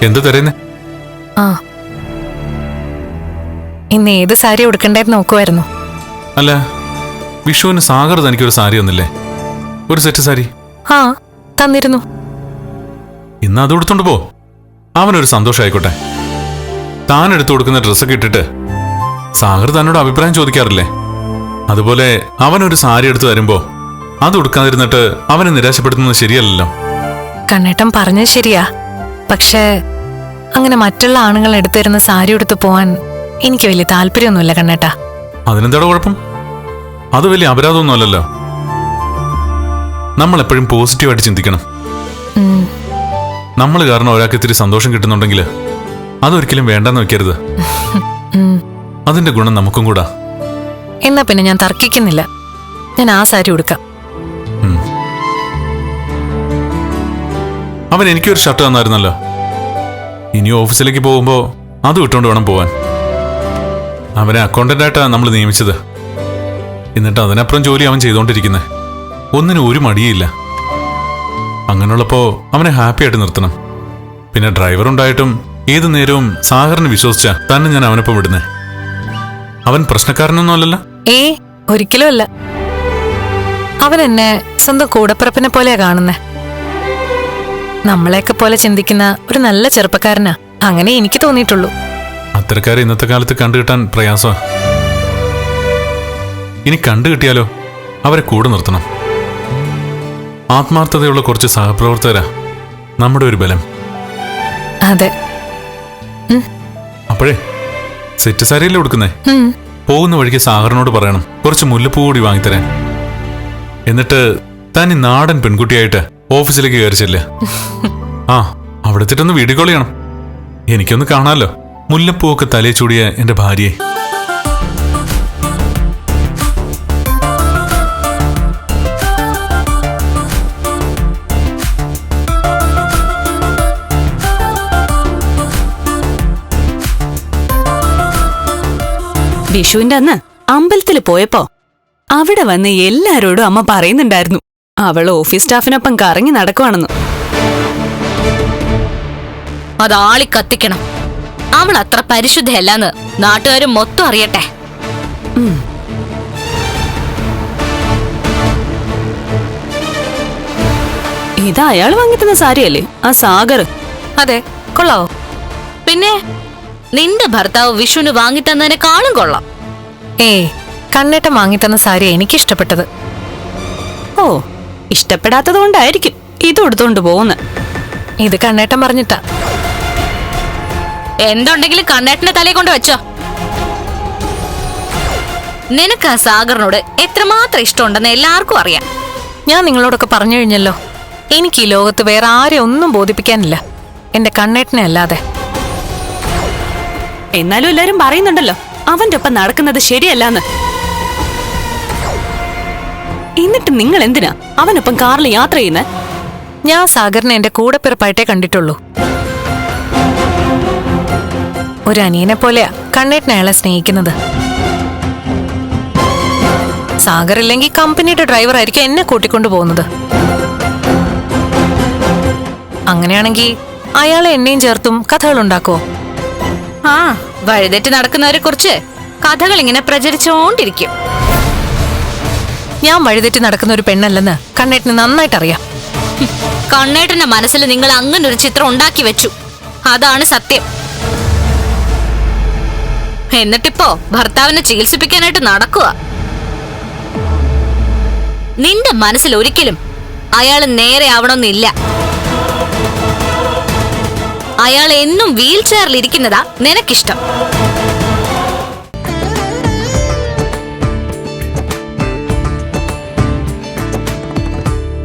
എന്ത് തരുന്നേ? ആ, ഇന്ന് ഏത് സാരി ഉടുക്കണ്ടേന്ന് നോക്കുമായിരുന്നു. അല്ല, വിഷുവിന് സാഗർ തനിക്കൊരു സാരി ഒന്നില്ലേ? ഒരു സെറ്റ് സാരി. ആ, തന്നിരുന്നു. ഇന്ന് അത് എടുത്തോണ്ട് പോ. അവനൊരു സന്തോഷമായിക്കോട്ടെ. താൻ എടുത്തു കൊടുക്കുന്ന ഡ്രസ്സൊക്കെ ഇട്ടിട്ട് സാഗർ തന്നോട് അഭിപ്രായം ചോദിക്കാറില്ലേ? അതുപോലെ അവനൊരു സാരി എടുത്തു തരുമ്പോ അത് ഉടുക്കാതിരുന്നിട്ട് അവനെ നിരാശപ്പെടുത്തുന്നത് ശരിയല്ലല്ലോ. കണ്ണേട്ടൻ പറഞ്ഞത് ശരിയാ. പക്ഷേ അങ്ങനെ മറ്റുള്ള ആണുങ്ങൾ എടുത്തു തരുന്ന സാരി എടുത്തു പോവാൻ എനിക്ക് വലിയ താല്പര്യമൊന്നുമില്ല കണ്ണേട്ടാ. അതിനെന്താടോ കുഴപ്പം? അത് വലിയ അപരാധമൊന്നുമല്ലല്ലോ. നമ്മൾ എപ്പോഴും പോസിറ്റീവായിട്ട് ചിന്തിക്കണം. നമ്മൾ കാരണം ഒരാൾക്ക് ഇത്തിരി സന്തോഷം കിട്ടുന്നുണ്ടെങ്കിൽ അതൊരിക്കലും വേണ്ടെന്ന് വെക്കരുത്. അതിന്റെ ഗുണം നമുക്കും കൂടാ. എന്നാ പിന്നെ ഞാൻ തർക്കിക്കുന്നില്ല. ഞാൻ ആ സാരി ഉടുക്കാം. അവൻ എനിക്കൊരു ഷർട്ട് തന്നായിരുന്നല്ലോ. ഇനി ഓഫീസിലേക്ക് പോകുമ്പോ അത് ഇട്ടുകൊണ്ട് വേണം പോവാൻ. അവനെ അക്കൗണ്ടന്റായിട്ടാണ് നമ്മൾ നിയമിച്ചത്. എന്നിട്ട് അതിനപ്പുറം ജോലി അവൻ ചെയ്തുകൊണ്ടിരിക്കുന്നത്. ഒന്നിനും ഒരു മടിയില്ല. അങ്ങനെയുള്ളപ്പോ അവനെ ഹാപ്പി ആയിട്ട് നിർത്തണം. പിന്നെ ഡ്രൈവർ ഉണ്ടായിട്ടും ഏതു നേരവും സാഗറിനെ വിശ്വസിച്ച തന്നെ ഞാൻ അവനൊപ്പം വിടുന്നേ. അവൻ പ്രശ്നക്കാരനൊന്നും അല്ലല്ലോ. ഒരിക്കലും അല്ല. അവൻ എന്നെ സ്വന്തം കൂടപ്പിറപ്പിനെ പോലെയാ കാണുന്നേ. നമ്മളെയൊക്കെ പോലെ ചിന്തിക്കുന്ന ഒരു നല്ല ചെറുപ്പക്കാരനാ. അങ്ങനെ എനിക്ക് തോന്നിയിട്ടുള്ളൂ. അത്തരക്കാരെ ഇന്നത്തെ കാലത്ത് കണ്ടുകിട്ടാൻ പ്രയാസമാ. ഇനി കണ്ടുകിട്ടിയാലോ അവരെ കൂടെ നിർത്തണം. ആത്മാർത്ഥതയുള്ള കുറച്ച് സഹപ്രവർത്തകരാ നമ്മുടെ ഒരു ബലം. അതെ. അപ്പോഴേ സെറ്റ് സാരിയല്ലേ കൊടുക്കുന്നേ? പോകുന്ന വഴിക്ക് സാഗറിനോട് പറയണം കുറച്ച് മുല്ലപ്പൂ കൂടി വാങ്ങിത്തരാൻ. എന്നിട്ട് താൻ ഈ നാടൻ പെൺകുട്ടിയായിട്ട് ഓഫീസിലേക്ക് കയറിച്ചില്ല. ആ, അവിടെ എത്തിയിട്ടൊന്ന് വീഡിയോ കോൾ ചെയ്യണം. എനിക്കൊന്ന് കാണാമല്ലോ മുല്ലപ്പൂവൊക്കെ തലേ ചൂടിയ എന്റെ ഭാര്യയെ. വിഷുവിന്റെ അന്ന് അമ്പലത്തിൽ പോയപ്പോ അവിടെ വന്ന് എല്ലാരോടും അമ്മ പറയുന്നുണ്ടായിരുന്നു അവൾ ഓഫീസ് സ്റ്റാഫിനൊപ്പം കറങ്ങി നടക്കുവാണെന്ന്. അതാളി കത്തിക്കണം. അവൾ അത്ര പരിശുദ്ധയല്ലെന്ന് നാട്ടുകാരും മൊത്തം അറിയട്ടെ. ഇത് അയാൾ വാങ്ങിത്തുന്ന സാരിയല്ലേ ആ സാഗർ? അതെ, കൊള്ളാവോ? പിന്നെ നിന്റെ ഭർത്താവ് വിഷുവിന് വാങ്ങിത്തന്നതിനെക്കാളും കൊള്ളാം. കണ്ണേട്ടൻ വാങ്ങിത്തന്ന സാരി എനിക്കിഷ്ടപ്പെട്ടത്. ഓ, ഇഷ്ടപ്പെടാത്തത് കൊണ്ടായിരിക്കും ഇത് എടുത്തോണ്ട് പോകുന്നത്. ഇത് കണ്ണേട്ടൻ പറഞ്ഞിട്ടാ. എന്തുണ്ടെങ്കിലും കണ്ണേട്ടന്റെ തലയെ കൊണ്ട് വെച്ചോ. നിനക്ക് ആ സാഗറിനോട് എത്രമാത്രം ഇഷ്ടമുണ്ടെന്ന് എല്ലാവർക്കും അറിയാം. ഞാൻ നിങ്ങളോടൊക്കെ പറഞ്ഞു കഴിഞ്ഞല്ലോ. എനിക്ക് ഈ ലോകത്ത് വേറെ ആരെ ഒന്നും ബോധിപ്പിക്കാനില്ല, എന്റെ കണ്ണേട്ടനെ അല്ലാതെ. എന്നാലും എല്ലാരും പറയുന്നുണ്ടല്ലോ അവന്റെ ഒപ്പം നടക്കുന്നത് ശരിയല്ലാന്ന്. എന്നിട്ട് നിങ്ങൾ എന്തിനാ അവനൊപ്പം കാറിൽ യാത്ര ചെയ്യുന്നത്? ഞാൻ സാഗറിനെ എന്റെ കൂടെപ്പിറപ്പായിട്ടേ കണ്ടിട്ടുള്ളൂ. ഒരു അനിയനെ പോലെയാ കണ്ണേട്ടൻ അയാളെ സ്നേഹിക്കുന്നത്. സാഗർ ഇല്ലെങ്കിൽ കമ്പനിയുടെ ഡ്രൈവർ ആയിരിക്കും എന്നെ കൂട്ടിക്കൊണ്ടു പോകുന്നത്. അങ്ങനെയാണെങ്കിൽ അയാളെ എന്നെയും ചേർത്തും കഥകൾ ഉണ്ടാക്കോ? ആ, വഴിതെറ്റി നടക്കുന്നവരെ കുറിച്ച് കഥകൾ ഇങ്ങനെ പ്രചരിച്ചോണ്ടിരിക്കും. ഞാൻ വഴിതെറ്റി നടക്കുന്ന ഒരു പെണ്ണല്ലെന്ന് കണ്ണേട്ടന് നന്നായിട്ടറിയാം. കണ്ണേട്ടന്റെ മനസ്സിൽ നിങ്ങൾ അങ്ങനെ ഒരു ചിത്രം ഉണ്ടാക്കി വെച്ചു. അതാണ് സത്യം. എന്നിട്ടിപ്പോ ഭർത്താവിനെ ചികിത്സിപ്പിക്കാനായിട്ട് നടക്കുക. നിന്റെ മനസ്സിൽ ഒരിക്കലും അയാൾ നേരെ ആവണമെന്നില്ല. അയാൾ എന്നും വീൽ ചെയറിൽ ഇരിക്കുന്നതാ നിനക്കിഷ്ടം.